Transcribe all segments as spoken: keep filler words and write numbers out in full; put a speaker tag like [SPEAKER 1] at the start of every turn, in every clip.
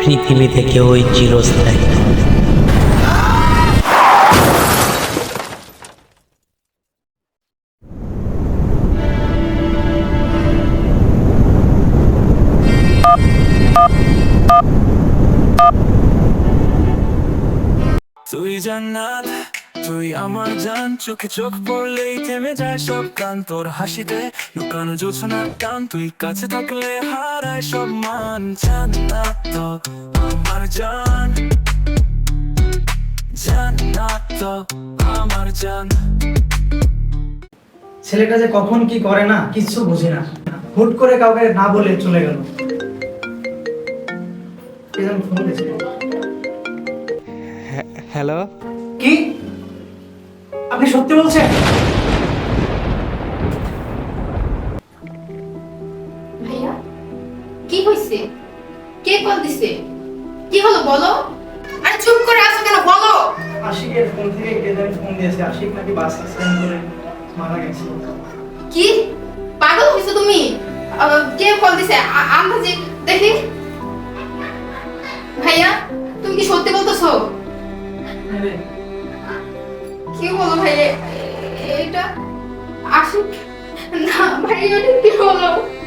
[SPEAKER 1] পৃথিবী থেকে ওই চিরস্থায়ী।
[SPEAKER 2] তুই জান্নাত, তুই আমার জান, চোখে চোখ পড়লেই থেমে যায় সব গান। তোর হাসিতে লুকানো জোছনার টান, তুই কাছে থাকলে হারায় সব মান। জান্নাত তো আমার জান, জান্নাত তো আমার জান।
[SPEAKER 3] ছেলেটা যে কখন কি করে না কিচ্ছু বুঝি না, হুট করে কাউকে না বলে চলে গেল। কে যেন ফোন দিয়েছে।
[SPEAKER 4] হ্যালো,
[SPEAKER 3] কি আপনি সত্যি বলছেন?
[SPEAKER 5] ভাইয়া কি হইছে? কে কল দিছে? কি হলো বলো? আরে চুপ করে আছো কেন, বলো।
[SPEAKER 3] আশিকের ফোন থেকে কে যেন ফোন দিয়েছে, আশিক নাকি বাস অ্যাক্সিডেন্ট করে মারা গেছে।
[SPEAKER 5] কি পাগল হইছো তুমি? আহ, কে কল দিছে? আ- আন্দাজে দেখি। ভাইয়া তুমি কি সত্যি বলতেছো? কি বলো ভাইয়া? এ- এটা আশিক না ভাইয়া, এটা কি হলো?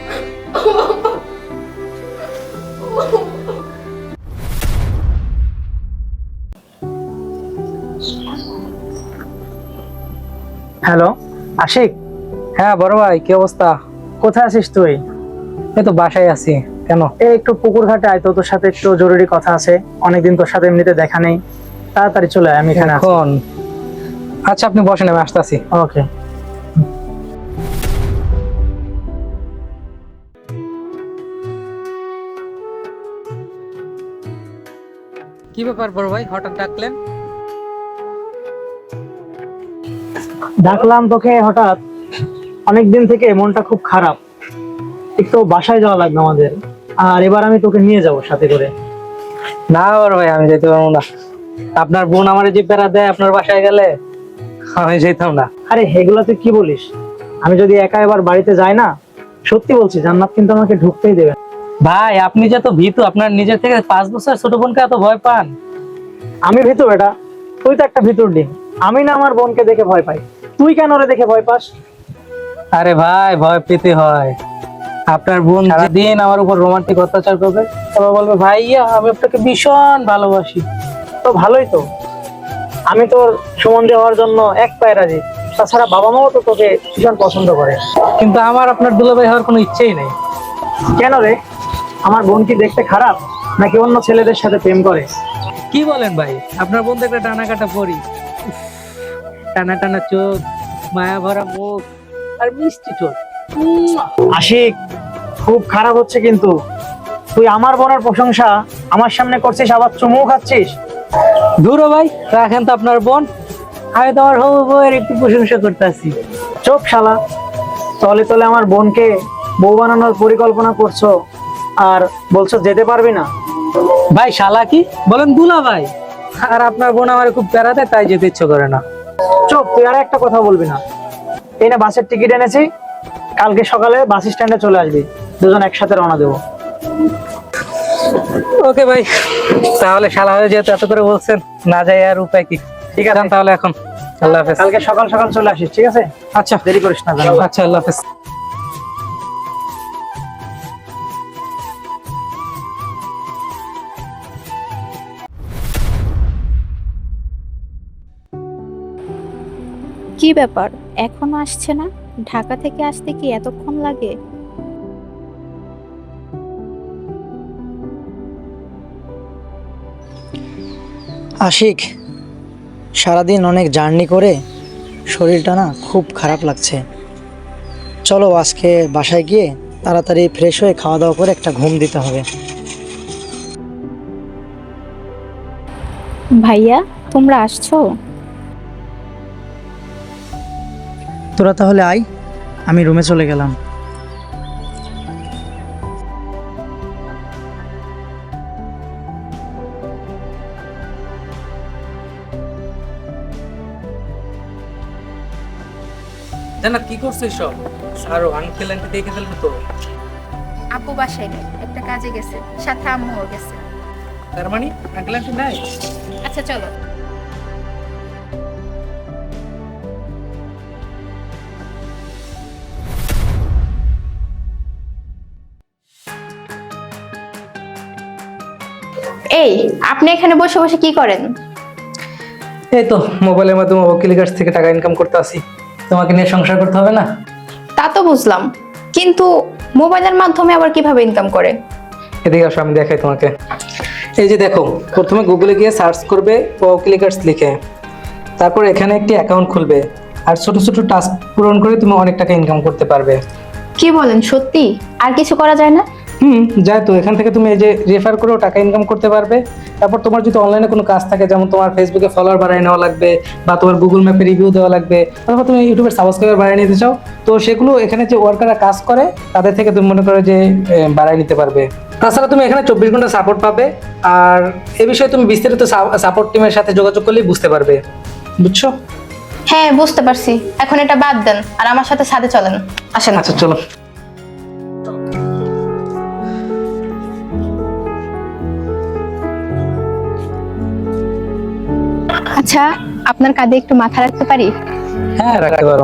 [SPEAKER 3] হ্যালো আশিক।
[SPEAKER 4] হ্যাঁ বড় ভাই, কি অবস্থা?
[SPEAKER 3] কোথায় আছিস তুই?
[SPEAKER 4] এই তো বাসায় আছি। কেন?
[SPEAKER 3] এই একটু পুকুর ঘাটে আয় তো, তোর সাথে একটু জরুরি কথা আছে। অনেকদিন তোর সাথে এমনিতে দেখা নেই, তাড়াতাড়ি চলে আয়, আমি এখানে আছি।
[SPEAKER 4] এখন? আচ্ছা আপনি বসেন, আমি আসতেছি।
[SPEAKER 3] ওকে।
[SPEAKER 4] কি ব্যাপার বড় ভাই, হঠাৎ ডাকলেন?
[SPEAKER 3] ডাকলাম তোকে হঠাৎ, অনেকদিন থেকে মনটা খুব খারাপ, একটু বাসায় যাওয়া লাগবে আমাদের, আর এবার আমি তোকে নিয়ে যাব সাথে করে।
[SPEAKER 4] না বড় ভাই, আমি যেতে পারবো না। আপনার বোন আমার যে প্যারা দেয় আপনার বাসায় গেলে, আমি যেতাম না।
[SPEAKER 3] আরে এগুলা তুই কি বলিস? আমি যদি একা এবার বাড়িতে যাই না, সত্যি বলছি জান্নাত কিন্তু আমাকে ঢুকতেই দেবে না।
[SPEAKER 4] ভাই আপনি যে তো ভীতু, আপনার নিজের থেকে পাঁচ বছর ছোট বোনকে এত ভয় পান?
[SPEAKER 3] আমি ভিতু বেটা, তুই তো একটা ভিতুর ডিম। আমি না আমার বোনকে দেখে ভয় পাই, তুই কেন ওরে দেখে ভয় পাস?
[SPEAKER 4] আরে ভাই ভয় পেতে হয়। আপনার বোন সারাদিন আমার উপর রোমান্টিক অত্যাচার করবে, তারপর বলবে ভাইয়া আমি আপনাকে ভীষণ ভালোবাসি।
[SPEAKER 3] তো ভালোই তো, আমি তোর সুমন্দি হওয়ার জন্য এক পায়ে রাজি। তাছাড়া বাবা মাও তো তোকে ভীষণ পছন্দ করে।
[SPEAKER 4] কিন্তু আমার আপনার দুলাভাই হওয়ার কোনো ইচ্ছেই নেই।
[SPEAKER 3] কেন রে? আমার বোন কি দেখতে খারাপ, নাকি অন্য ছেলেদের সাথে প্রেম করে?
[SPEAKER 4] কি বলেন ভাই, আপনার বোন দেখলে টানা কাটা পরি, টানা টানা চোখ, মায়া ভরা মুখ, আর মিষ্টি চোখ।
[SPEAKER 3] আশিক, খুব খারাপ হচ্ছে কিন্তু। তুই আমার বোনের প্রশংসা আমার সামনে করছিস, আবার চুমু খাচ্ছিস।
[SPEAKER 4] দূর হ ভাই, রাখেন তো আপনার বোন, আমি তো আমার হবু বউয়ের একটু প্রশংসা করতেছি।
[SPEAKER 3] চোখ শালা, তলে তলে আমার বোনকে বউ বানানোর পরিকল্পনা করছো, আর বলছো যেতে পারবি না।
[SPEAKER 4] ভাই শালা কি বলেন দুলা ভাই? আর আপনার বোন আমার খুব প্যারা দেয়, তাই যেতে ইচ্ছে করে না।
[SPEAKER 3] চুপ, তুই আর একটা কথা বলবি না। এই না বাসের টিকিট এনেছি, কালকে সকালে বাস স্ট্যান্ডে চলে আসবি, দুজন একসাথে রওনা দেবো।
[SPEAKER 4] ওকে ভাই, তাহলে শালা হয়ে যেহেতু এত করে বলছেন, না যাই আর উপায় কি।
[SPEAKER 3] ঠিক আছে
[SPEAKER 4] তাহলে এখন আল্লাহ হাফেজ।
[SPEAKER 3] কালকে সকাল সকাল চলে আসিস, ঠিক আছে?
[SPEAKER 4] আচ্ছা
[SPEAKER 3] দেরি করিস না।
[SPEAKER 4] আচ্ছা, আল্লাহ হাফেজ।
[SPEAKER 6] কি ব্যাপার, এখনো আসছে না? ঢাকা থেকে আসতে কি এতক্ষণ লাগে?
[SPEAKER 3] আশিক, সারাদিন অনেক জার্নি করে শরীরটা না খুব খারাপ লাগছে। চলো আজকে বাসায় গিয়ে তাড়াতাড়ি ফ্রেশ হয়ে খাওয়া দাওয়া করে একটা ঘুম দিতে হবে।
[SPEAKER 6] ভাইয়া তোমরা আসছো?
[SPEAKER 3] তোরা তাহলে আয়, আমি রুমে চলে গেলাম।
[SPEAKER 4] জানা কি করছিস সব? আর আঙ্কেল আন্টি দেখে ফেলবে তো।
[SPEAKER 5] আব্বু বাসায় নেই, একটা কাজে গেছে, সাথে আম্মুও গেছে।
[SPEAKER 4] তার মানে আঙ্কেল আন্টি নাই?
[SPEAKER 5] আচ্ছা চলো। এই, আপনি এখানে বসে বসে কি করেন?
[SPEAKER 4] এই তো মোবাইলের মাধ্যমে ওকিলের কাছ থেকে টাকা ইনকাম করতে আসি। তোমাকে নিয়ে সংসার করতে হবে না?
[SPEAKER 5] তা তো বুঝলাম, কিন্তু মোবাইলের মাধ্যমে আবার কিভাবে ইনকাম করে?
[SPEAKER 4] এদিকে আসো, আমি দেখাই তোমাকে। এই যে দেখো, প্রথমে গুগলে গিয়ে সার্চ করবে ওকিলিকার্স লিখে, তারপর এখানে একটি অ্যাকাউন্ট খুলবে, আর ছোট ছোট টাস্ক পূরণ করে তুমি অনেক টাকা ইনকাম করতে পারবে।
[SPEAKER 5] কি বলেন, সত্যি? আর কিছু করা যায় না?
[SPEAKER 4] হুম, যাই তো। এখান থেকে তুমি এই যে রেফার করেও টাকা ইনকাম করতে পারবে। তারপর তোমার যদি অনলাইনে কোনো কাজ থাকে, যেমন তোমার ফেসবুকে ফলোয়ার বাড়িয়ে নেওয়া লাগবে, বা তোমার গুগল ম্যাপে রিভিউ দেওয়া লাগবে, অথবা তুমি ইউটিউবের সাবস্ক্রাইবার বাড়িয়ে নিতে চাও, তো সেগুলো এখানে যে ওয়ার্কাররা কাজ করে তাদের থেকে তুমি মনে করো যে এ, বাড়িয়ে নিতে পারবে। তাছাড়া তুমি এখানে চব্বিশ ঘন্টা সাপোর্ট পাবে, আর এ বিষয়ে তুমি বিস্তারিত সাপোর্ট টিমের সাথে যোগাযোগ করলেই বুঝতে পারবে। বুঝছো?
[SPEAKER 5] হ্যাঁ, বুঝতে পারছি। এখন এটা বাদ দেন আর আমার সাথে সাথে চলেন, আসেন।
[SPEAKER 4] আচ্ছা চলো।
[SPEAKER 5] আচ্ছা, আপনার কাঁধে একটু মাথা রাখতে পারি?
[SPEAKER 4] হ্যাঁ, রাখতে পারো।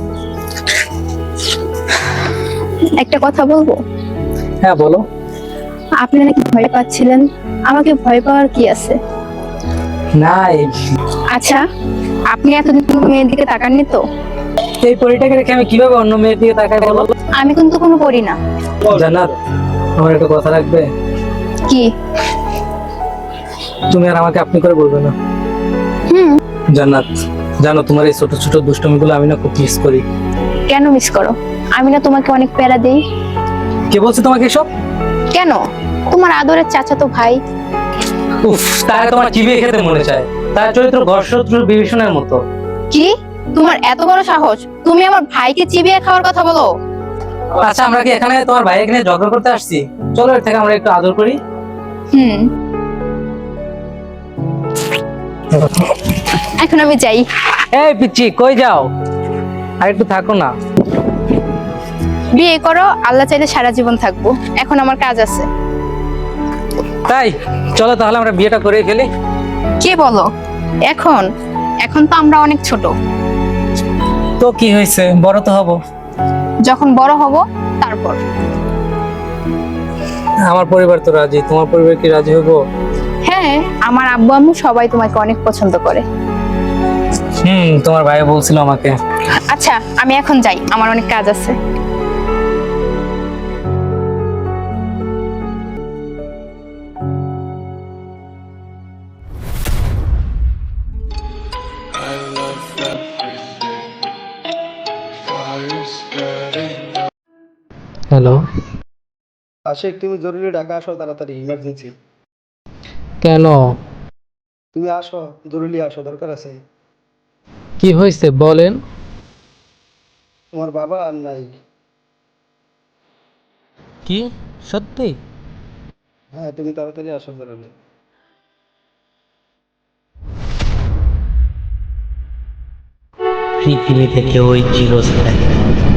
[SPEAKER 5] একটা কথা বলবো?
[SPEAKER 4] হ্যাঁ বলো।
[SPEAKER 5] আপনি নাকি ভয় পাচ্ছিলেন, আমাকে ভয় পাওয়ার কি আছে?
[SPEAKER 4] নাই।
[SPEAKER 5] আচ্ছা, আপনি এতদিন কোনো মেয়ের দিকে তাকাননি তো?
[SPEAKER 4] এই পরিটাকে রেখে আমি কিভাবে অন্য মেয়ের দিকে তাকাই বলো?
[SPEAKER 5] আমি কিন্তু কোনো করি না।
[SPEAKER 4] জান্নাত, আমার একটা কথা রাখবে?
[SPEAKER 5] কি?
[SPEAKER 4] তুমি আর আমাকে আপনি করে বলবে না।
[SPEAKER 5] হুম।
[SPEAKER 4] জান্নাত, জানো তোমার এই ছোট ছোট দুষ্টমিগুলো আমি না খুব মিস করি।
[SPEAKER 5] কেন মিস করো? আমি না তোমাকে অনেক প্যারা দেই?
[SPEAKER 4] কে বলছে তোমাকে এসব?
[SPEAKER 5] কেন? তোমার আদরের চাচাতো ভাই।
[SPEAKER 4] উফ, তার তোমার চিবিয়ে খেতে মনে চায়। তার চরিত্র ঘর্ষত্র বিভীষণের মতো।
[SPEAKER 5] কি? তোমার এত বড় সাহস, তুমি আমার ভাইকে চিবিয়ে খাওয়ার কথা বলো?
[SPEAKER 4] আচ্ছা, আমরা কি এখানে তোমার ভাই এখানে ঝগড়া করতে আসছি? চলো এর থেকে আমরা একটু আদর করি।
[SPEAKER 5] হুম, এখন আমি যাই।
[SPEAKER 4] এই পিচ্চি, কই যাও? আর একটু থাকো না।
[SPEAKER 5] বিয়ে করো, আল্লাহ চাইলে সারা জীবন থাকবো। এখন আমার কাজ আছে।
[SPEAKER 4] তাই চলো তাহলে আমরা বিয়েটা করে ফেলি।
[SPEAKER 5] কি বলো? এখন? এখন তো আমরা অনেক ছোট।
[SPEAKER 4] তো কি হয়েছে, বড় তো হব।
[SPEAKER 5] যখন বড় হব তারপর।
[SPEAKER 4] আমার পরিবার তো রাজি, তোমার পরিবার কি রাজি হবো?
[SPEAKER 5] হ্যাঁ, আমার আব্বু আম্মু সবাই তোমাকে অনেক পছন্দ করে।
[SPEAKER 4] হুম, তোমার ভাই বলছিল আমাকে।
[SPEAKER 5] আচ্ছা, আমি এখন যাই, আমার অনেক কাজ আছে।
[SPEAKER 4] হ্যালো।
[SPEAKER 7] আশিক, তুমি জরুরি ঢাকা আসো, তাড়াতাড়ি, ইমার্জেন্সি।
[SPEAKER 4] কেন?
[SPEAKER 7] তুমি আসো, জরুরি আসো, দরকার আছে।
[SPEAKER 4] কি হয়েছে বলেন?
[SPEAKER 7] তোমার বাবা আর নাই।
[SPEAKER 4] কি সত্যি?
[SPEAKER 7] হ্যাঁ, তুমি তাড়াতাড়ি আসো, জরুরি।
[SPEAKER 1] পৃথিবী থেকে ওই চিরস্থায়ী